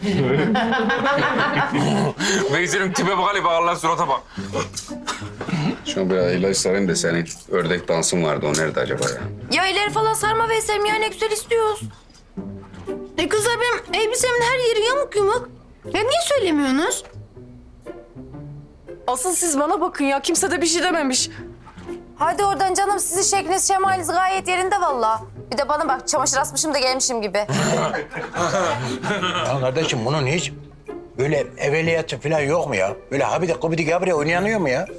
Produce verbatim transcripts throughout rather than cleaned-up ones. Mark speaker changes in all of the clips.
Speaker 1: Veysel'in tipe bak hele bak Allah surata bak.
Speaker 2: Şuna bir ilaç sarayım da senin ördek dansın vardı. O nerede acaba ya?
Speaker 3: Ya ileri falan sarma Veysel'im ya ne güzel istiyoruz. E kızlar benim elbisemin her yeri yamuk yumuk. Ya niye söylemiyorsunuz?
Speaker 4: Asıl siz bana bakın ya. Kimse de bir şey dememiş.
Speaker 3: Hadi oradan canım sizin şekliniz şemaliniz gayet yerinde vallahi. Bir de bana bak çamaşır asmışım da gelmişim gibi.
Speaker 5: Ya kardeşim bunun hiç böyle evveliyatı falan yok mu ya? Böyle habide kubidi gabriye oynanıyor mu ya?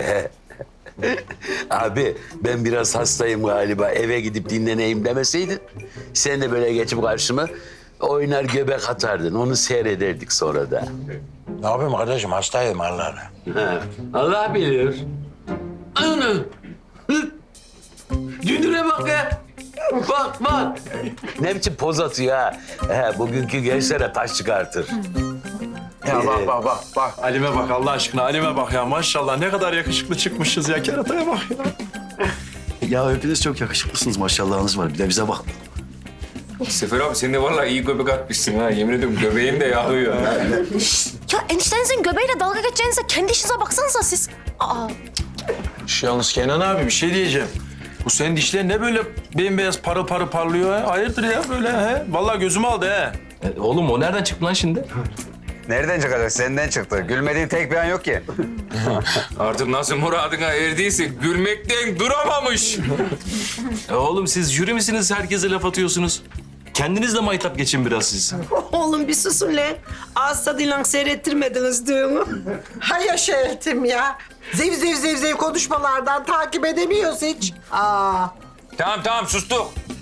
Speaker 6: Abi ben biraz hastayım galiba. Eve gidip dinleneyim demeseydin. Sen de böyle geçip karşıma oynar göbek atardın. Onu seyrederdik sonra da.
Speaker 5: Ne yapayım kardeşim hastayım Allah'ına.
Speaker 6: Ha, Allah bilir. Ana! Hı! Dünüre bak ya. Bak bak. Ne biçim poz atıyor ha. He, bugünkü gençlere taş çıkartır.
Speaker 7: Ya bak bak bak bak. Halime bak Allah aşkına Halime bak ya. Maşallah ne kadar yakışıklı çıkmışız ya. Kerataya bak ya.
Speaker 8: Ya hepiniz çok yakışıklısınız maşallahınız var. Bir de bize bak.
Speaker 1: Sefer abi sen de vallahi iyi göbek atmışsın ha. Yemin ediyorum göbeğin de yağıyor.
Speaker 3: Ya eniştenizin göbeğiyle dalga geçeceğinize kendi işinize baksanıza siz. Aa.
Speaker 7: Şu yalnız Kenan abi bir şey diyeceğim. Bu senin dişler ne böyle bembeyaz parıl parıl parlıyor ha? Hayırdır ya böyle he? Vallahi gözümü aldı he.
Speaker 9: E, oğlum o nereden çıktı lan şimdi?
Speaker 2: Nereden çıkacak? Senden çıktı. Gülmediğin tek bir an yok ki.
Speaker 1: Artık nasıl muradına erdiyse gülmekten duramamış.
Speaker 9: E, oğlum siz jüri misiniz? Herkese laf atıyorsunuz. Kendiniz de maytap geçin biraz siz.
Speaker 10: Oğlum bir susun lan. Ağız tadıyla seyrettirmediniz düğünü. Hay yaşa eltim ya. Zev zev zev zev konuşmalardan takip edemiyoruz hiç. Aa.
Speaker 1: Tamam tamam sustuk.